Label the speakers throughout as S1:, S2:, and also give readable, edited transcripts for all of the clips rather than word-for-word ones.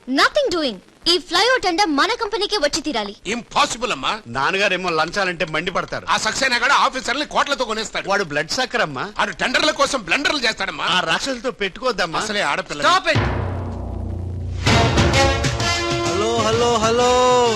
S1: Nothing doing. ఈ flyover tender మన కంపెనీకి వచ్చి తీరాలి.
S2: ఇంపాసిబుల్ అమ్మా.
S3: నాన్నగారేమో లంచాలంటే మండి పడతారు.
S2: ఆ సక్సేనా కూడా ఆఫీసర్ని కోట్లతో కొనేస్తాడు.
S3: వాడు బ్లడ్ సక్కర్ అమ్మా.
S2: ఆడు టెండర్ల కోసం బ్లండర్లు చేస్తాడమ్మా.
S3: ఆ రాక్షసులతో పెట్టుకోద్దమ్మా.
S2: అసలే ఆడపిల్ల.
S3: Stop it.
S4: Hello hello hello,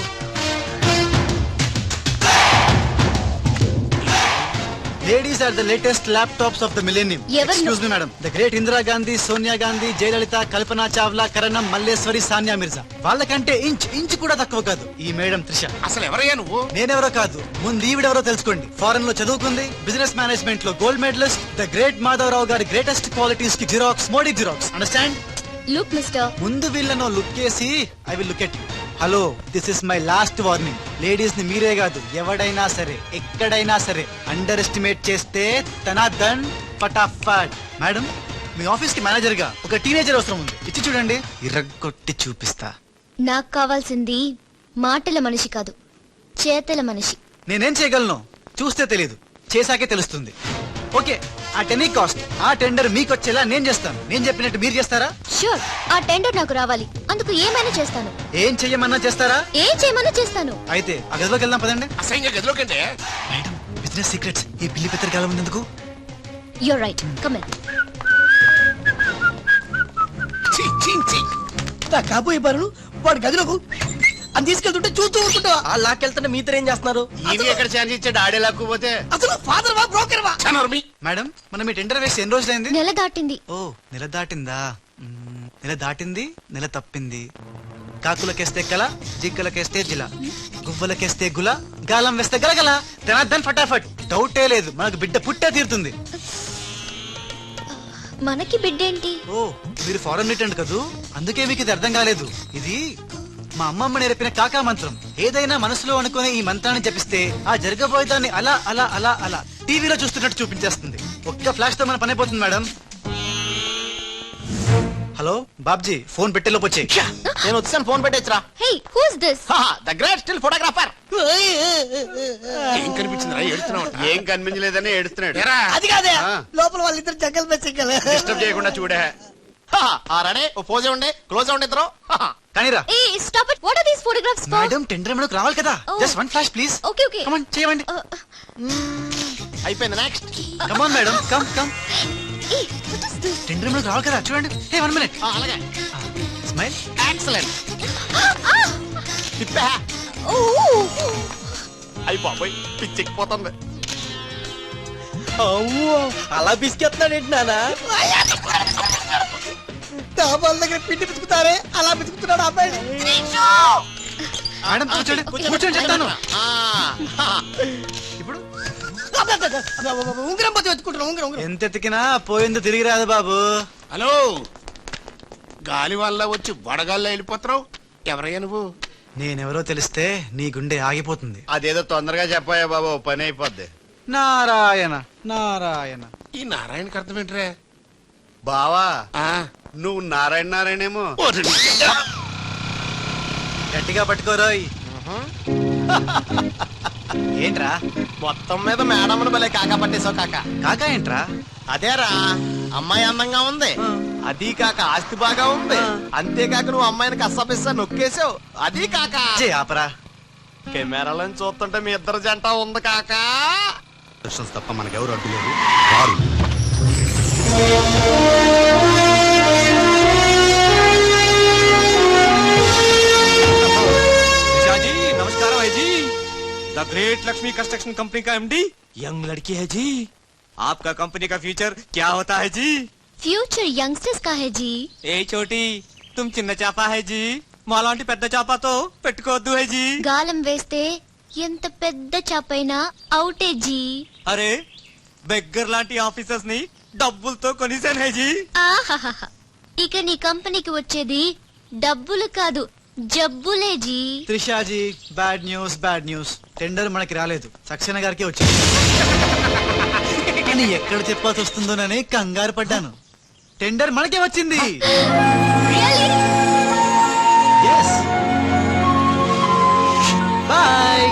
S4: ladies are the latest laptops of the millennium. Excuse me madam, the great Indira Gandhi, Sonia Gandhi, Jayalalitha, Kalpana Chawla, Karanam, Malleswari, Sania Mirza వాళ్ళకంటే inch కూడా తక్కువ కాదు ఈ మేడం త్రిష.
S2: అసలు ఎవరయ్యా నువ్వు?
S4: నేనెవరో కాదు, ముందు ఈవిడెవరో తెలుసుకోండి. ఫారెన్ లో చదువుకుంది, బిజినెస్ మేనేజ్మెంట్ లో gold medallist, the great Madhavarao గారి గ్రేటెస్ట్ క్వాలిటీస్ కి xerox, Modi xerox. Understand?
S1: Look mister,
S4: ముందు వీళ్ళను లుక్ చేసి I will look at you. Hello, this is my last warning. Ladies ని మీరే కాదు, ఎవడైనా సరే ఎక్కడైనా సరే అండర్ ఎస్టిమేట్ చేస్తే తనాదన్ ఫటాఫట్. మేడం, మీ ఆఫీస్ కి మేనేజర్ గా ఒక టీనేజర్ అవసరం ఉంది. ఇచ్చి చూడండి, ఇరగొట్టి చూపిస్తా.
S1: నాకు కావాల్సింది మాటల మనిషి కాదు, చేతల మనిషి.
S4: నేనేం చేయగలను చూస్తే తెలీదు, చేశాకే తెలుస్తుంది. ఓకే, ఆ టెనీ కాస్ట్, ఆ టెండర్ మీకు వచ్చేలా నేను చేస్తాను. నేను చెప్పినట్టు మీరు చేస్తారా?
S1: షూర్, ఆ టెండర్ నాకు రావాలి. అందుకు ఏమైనా చేస్తాను.
S4: ఏం చెయ్యమన్నా చేస్తారా?
S1: ఏం చేయమన్నా చేస్తాను.
S4: అయితే ఆ గదిలోకి వెళ్దాం పదండి.
S2: అసహ్యంగా గదిలోకంటే.
S4: మేడం, బిజినెస్ సీక్రెట్స్ ఈ పిల్లి పెద్దరు కాలం ఎందుకు?
S1: You're right, come in.
S5: కాబోయే బరులు వాడి గదిలోకు అని తీసుకెళ్తుంటే చూస్తూ ఊరుకుంటావా?
S6: ఆ లాక్కెళ్తుంటే మీతో ఏం చేస్తున్నారు?
S3: ఈయన ఎక్కడ ఛాన్స్ ఇచ్చాడు? ఆడే లాక్కుపోతే.
S5: అసలు ఫాదర్ వా బ్రోకర్ వా?
S4: మేడం, మనం మీ టెండర్ వేసి ఎన్ని రోజులైంది?
S1: నెల దాటింది.
S4: ఓ, నెల దాటిందా? నెల దాటింది, నెల తప్పింది. కాకులకేస్తే కల, జిక్కలకేస్తే జిల, గువ్వలకేస్తే గుల, గాలం వేస్తే గలగల, ధనార్దన్ ఫటాఫట్. డౌటే లేదు, మనకు బిడ్డ పుట్టే తీరుతుంది.
S1: మనకి బిడ్డేంటి?
S4: ఓ, మీరు ఫారెన్ రిటర్న్ కదూ, అందుకే మీకు ఇది అర్థం కాలేదు. ఇది మా అమ్మమ్మ నేర్పిన కాకా మంత్రం. ఏదైనా మనసులో అనుకునే ఈ మంత్రాన్ని జపిస్తే ఆ జరగబోయేదాన్ని అలా అలా అలా అలా టీవీలో చూస్తున్నట్టు చూపించేస్తుంది. ఒక్క ఫ్లాష్ తో మన పని అయిపోతుంది మేడం. హలో బాబ్జీ, ఫోన్ పెట్టేలోపు వచ్చే.
S6: నేను వచ్చాను, ఫోన్ పెట్టేచ్చరా.
S1: Hey, who's this?
S6: The great still photographer.
S2: ఏం కనిపించిందిరా? ఏడుతున్నావు?
S3: ఏం కనిపించలేదని ఏడుస్తున్నాడు.
S5: అది కాదే, లోపల వాళ్ళిద్దరు జంగల్ మెస్సింగల్.
S3: డిస్టర్బ్ చేయకుండా చూడే.
S6: రెడీ, ఓ పోజే ఉండే, క్లోజ్ ఉండే ఇద్దరు.
S4: కానీరా.
S1: ఏ stop it. What are these photographs for?
S4: Madam, tender మనకు రావాలి కదా. Just one flash please.
S1: Okay okay,
S4: come on, చేయండి.
S6: అయిపోయింది, next.
S4: Come on madam, come come.
S1: ఏ వాట్ ఇస్ దిస్?
S4: టెండర్ మనకు రావాలి కదా, చూడండి. Hey, 1 minute.
S6: అలాగే,
S4: స్మైల్.
S6: ఎక్సలెంట్. తిప్పా.
S1: ఓ,
S6: అయిపోయి పిచ్చెక్కిపోతుంది. అలా బిస్కెత్తున్నాడు ఏంటి నానా?
S5: డాబాల దగ్గర పిండి పిసుకుతారే అలా పిసుకుతున్నాడు అబ్బాయి.
S4: మేడం కూర్చోండి, కూర్చోండి చెప్తాను. ఇప్పుడు
S5: ఉంగరం పోతే వెతుకుంటున్నా. ఉంగరం
S4: ఎంత ఎతికినా పోయిందో తిరిగి రాదు బాబు.
S2: హలో, గాలి వల్ల వచ్చి వడగాల్లో వెళ్ళిపోతున్నావు. ఎవరయ్యా నువ్వు?
S4: నేనెవరో తెలిస్తే నీ గుండె ఆగిపోతుంది.
S3: అదేదో తొందరగా చెప్పాయా బాబు, పని అయిపోద్ది.
S4: నారాయణ నారాయణ.
S2: ఈ నారాయణకి అర్థం ఏంట్రా?
S3: బావా,
S2: ఆ,
S3: నువ్వు నారాయణ నారాయణేమో.
S4: గట్టిగా పట్టుకోరోయ్. ఏంట్రా
S6: మొత్తం మీద మేడం భలే కాకా పట్టేశావు కాక.
S4: కాకా ఏంట్రా?
S6: అదేరా, అమ్మాయి అందంగా ఉంది, అది కాక ఆస్తి బాగా ఉంది, అంతేకాక నువ్వు అమ్మాయిని కష్టపిస్తా నొక్కేసావు, అది కాక.
S4: ఆపరా.
S6: కెమెరాలను చూస్తుంటే మీ ఇద్దరు జంట ఉంది కాక.
S3: తప్ప మనకెవరు అడ్డులేదు.
S7: नमस्कार भाई जी, the great Lakshmi construction company का एमडी यंग लड़की है जी. आपका कंपनी का फ्यूचर क्या होता है जी?
S1: ఫ్యూచర్ యంగ్స్టర్స్ కా హై జీ.
S7: ఏ చోटी तुम చిన్న చాపా है जी, మాలాంటి పెద్ద చాపాతో పెట్టుకోవద్దు है जी.
S1: గాలం వేస్తే ఎంత పెద్ద చాపైనా అవుటే జీ.
S7: అరే, బెగ్గర్ లాంటి ఆఫీసర్స్ ని డబ్బులతో కొనిసాను है जी.
S1: ఆహాహా, ఇక నీ కంపెనీకి వచ్చేది డబ్బులు కాదు, జబ్బులే G.
S4: త్రిషాజీ, bad news bad news. Tender మనకి రాలేదు, సక్సేనా గారికి వచ్చింది. కానీ ఎక్కడ చెప్పాల్సి వస్తుందోనని కంగారు పడ్డాను. టెండర్ మనకే వచ్చింది. బాయ్.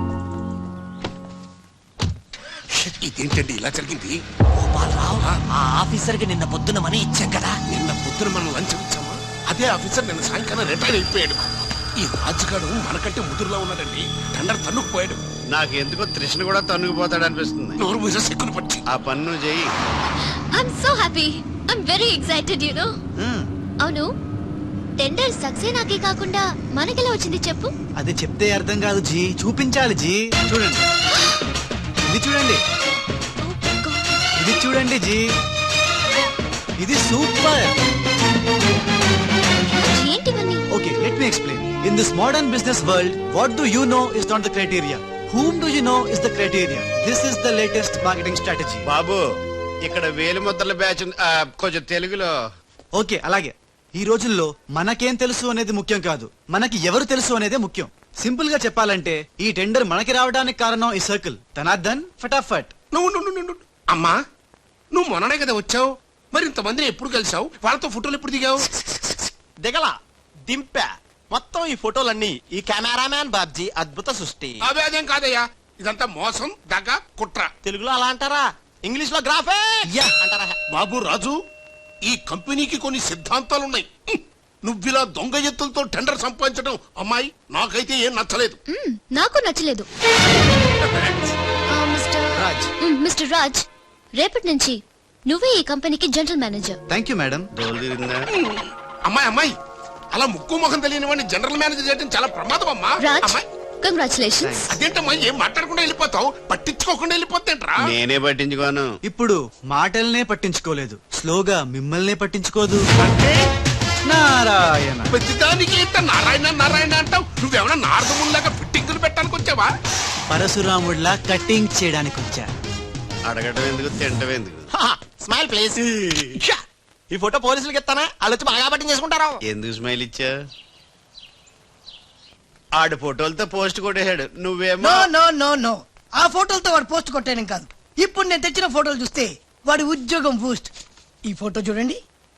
S2: ఇదేంటండి ఇలా జరిగింది?
S6: గోపాలరావు, ఆ ఆఫీసర్ కి నిన్న పొద్దున మనీ ఇచ్చాం కదా.
S2: నిన్న పొద్దున మనం లంచం ఇచ్చామా? అదే ఆఫీసర్ నిన్న సాయంకాలం రిటైర్ అయిపోయాడు. ఈ రాజుగాడు మనకంటే ముదురులో ఉన్నాడండి. టెండర్ తన్నుకుపోయాడు.
S3: నాకెందుకో తృష్ణ కూడా తన్నుకుపోతాడు అనిపిస్తుంది.
S2: నోరు మూసే సిక్కులు పచ్చి.
S3: ఆ పన్ను చెయ్యి.
S1: I'm so happy. I'm very excited you know. అవును, టెండర్ సక్సేనాకి కాకుండా మనకెలా వచ్చింది చెప్పు?
S4: అది చెప్తే అర్థం కాదు జీ, చూపించాలి జీ. చూడండి, ఇది చూడండి, ఇది చూడండి జీ, ఇది సూపర్.
S1: ఏంటివన్నీ?
S4: Okay, let me explain. In this modern business world, what do you know is not the criteria, whom do you know is the criteria. This is the latest marketing strategy.
S3: బాబు, ఇక్కడ వేలు ముద్రల batch ఉంది. కొంచెం తెలుగులో.
S4: Okay, అలాగే. ఈ రోజుల్లో మనకేం తెలుసు అనేది ముఖ్యం కాదు, మనకి ఎవరు తెలుసు అనేదే ముఖ్యం. సింపుల్ గా చెప్పాలంటే ఈ టెండర్ మనకి రావడానికి కారణం ఈ సర్కిల్. తనార్దన్ ఫటాఫట్.
S2: నువ్వు అమ్మా, నువ్వు మొన్ననే కదా వచ్చావు. మరి ఇంతమందిని ఎప్పుడు కలిసావు? వాళ్ళతో ఫోటోలు ఎప్పుడు దిగావు?
S6: దిగల, దింపా. మొత్తం ఈ ఫోటోలన్నీ ఈ కెమెరామ్యాన్ బాబ్జీ అద్భుత సృష్టి.
S2: అవే అదేం కాదయ్యా, ఇదంతా మోసం, దగ్గ, కుట్ర.
S6: తెలుగులో అలా అంటారా? ఇంగ్లీష్ లో గ్రాఫే అంటారా?
S2: బాబు రాజు, ఈ కంపెనీకి కొన్ని సిద్ధాంతాలున్నాయి. నువ్విలా దొంగ ఎత్తులతో టెండర్ సంపాదించడం అమ్మాయి నాకైతే ఏం నచ్చలేదు.
S1: నాకు నచ్చలేదు.
S4: రాజ్.
S1: మిస్టర్ రాజ్, రేపటి నుంచి నువ్వే ఈ కంపెనీకి general manager.
S4: Thank you madam.
S3: డోలు తిరిగిందా?
S2: అమ్మాయి అలా ముక్కు ముఖం తెలియని వాడిని జనరల్ మేనేజర్ చేయడం చాలా ప్రమాదం అమ్మా.
S1: రాజ్,
S2: అమ్మాయి
S1: కంగ్రాచులేషన్స్.
S2: అదేంటమ్మా, ఏం మాట్లాడకుండా వెళ్ళిపోతావు? పట్టించుకోకుండా వెళ్ళిపోతేంట్రా?
S3: నేనే పట్టించుకోను.
S4: ఇప్పుడు మాటల్నే పట్టించుకోలేదు, స్లోగా మిమ్మల్నే పట్టించుకోదు.
S2: అంటే
S4: నారాయణ.
S2: ప్రతిదానికి ఇంత నారాయణ నారాయణ అంటావు. నువ్వేమన్నా నారదముల్లాగా ఫిట్టింగులు పెట్టడానికి వచ్చావా?
S4: పరశురాముడిలా కటింగ్ చేయడానికి వచ్చా.
S3: అడగటం ఎందుకు, తింటం ఎందుకు?
S6: Smile please. ఈ ఫోటో పోలీసులకి ఇస్తానా? వాళ్ళు వచ్చి బాగా పట్టింగ్ చేసుకుంటారు.
S3: ఎందుకు స్మైల్ ఇచ్చా? ఆడు ఫోటోలతో పోస్ట్ కొట్టేశాడు, నువ్వేమో.
S5: నో నో నో నో, ఆ ఫోటోలతో వాడు పోస్ట్ కొట్టాను కాదు. ఇప్పుడు నేను తెచ్చిన ఫోటోలు చూస్తే వాడి ఉద్యోగం బూస్ట్. ఈ ఫోటో చూడండి.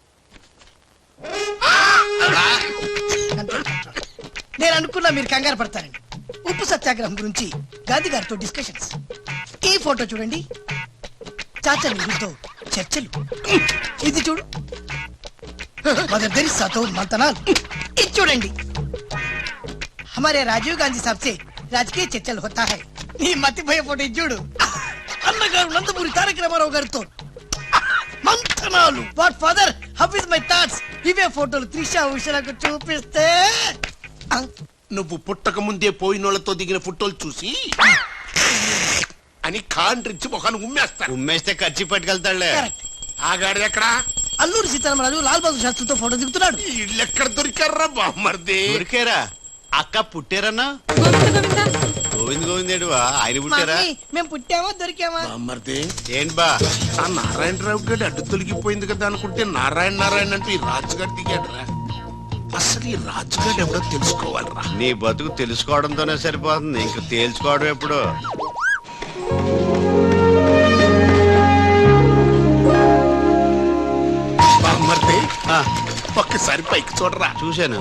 S5: నేను అనుకున్నా మీరు కంగారు పడతారండి. ఉప్పు సత్యాగ్రహం గురించి గాంధీ గారితో డిస్కషన్స్. ఈ ఫోటో చూడండి, చాచా నెహ్రూతో చర్చలు. ఇది చూడు, మదర్ తెరిసాతో మంతనాలు. ఇది చూడండి, हमारे राजीव गांधी साहब से राजकीय चर्चल होता है. నీ మతిపోయే ఫోటో ఇది చూడు, అన్నగారు నందమూరి తారక రామారావు గారితో మంతనాలు. What father, how is my thoughts. ఇవే ఫోటోలు త్రిషా ఉషలకు చూపిస్తే
S2: నువ్వు పుట్టక ముందే పోయినోళ్లతో దిగిన ఫోటోలు చూసి అని కాండ్రించి మొహాన్ని ఉమ్మేస్తా.
S3: ఉమ్మేస్తే ఖర్చు పట్టుకెళ్తాడులే.
S5: కరెక్ట్.
S2: ఆగాడు ఎక్కడా?
S5: అల్లూరి సీతారామరాజు లాల్ బహదూర్ శాస్త్రితో ఫోటో దిగుతున్నాడు.
S2: ఇల్లు ఎక్కడ దొరికారా బామ్మర్ది?
S3: ఊరికేరా అక్క పుట్టారన్నా? గోవింద్ గోవిందేడు ఆయన పుట్టారా?
S5: మమ్మీ, మేము పుట్టామా దొరికామా?
S2: బామ్మర్ది
S3: ఏంటి బా?
S2: ఆ నారాయణరావు గడి అడ్డు తొలగిపోయింది కదా అనుకుంటే నారాయణ నారాయణ అంటూ ఈ రాజుగారు దిగాడురా. అసలు ఈ రాజుగారు ఎవడో తెలుసుకోవాలరా.
S3: నీ బతుకు తెలుసుకోవడంతోనే సరిపోతుంది, ఇంక తేల్చుకోవడం ఎప్పుడు?
S2: బామ్మర్ది,
S3: ఆ,
S2: ఒక్కసారి పైకి చూడరా.
S3: చూశాను.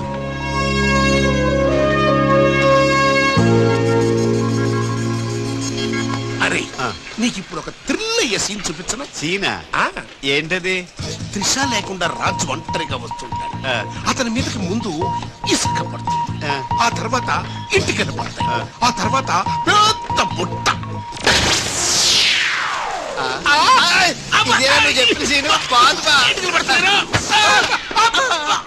S2: అరే,
S3: ఆ.
S2: నీకు ఇప్పుడు ఒక థ్రిల్ అయ్యే సీన్ చూపించను.
S3: సీనా?
S2: ఆ,
S3: ఏంటది?
S2: త్రిష లేకుండా రాజు ఒంటరిగా వస్తుంటాడు.
S3: ఆ.
S2: అతని మీదకి ముందు ఇసుక పడుతుంది,
S3: ఆ.
S2: ఆ తర్వాత ఇంటికి పడతాయి,
S3: ఆ.
S2: ఆ తర్వాత పెద్ద బుట్ట.
S3: ఇదేనా నువ్వు చెప్పిన సీను? బాగుంది బా.
S2: ఇంటికి పడతారు.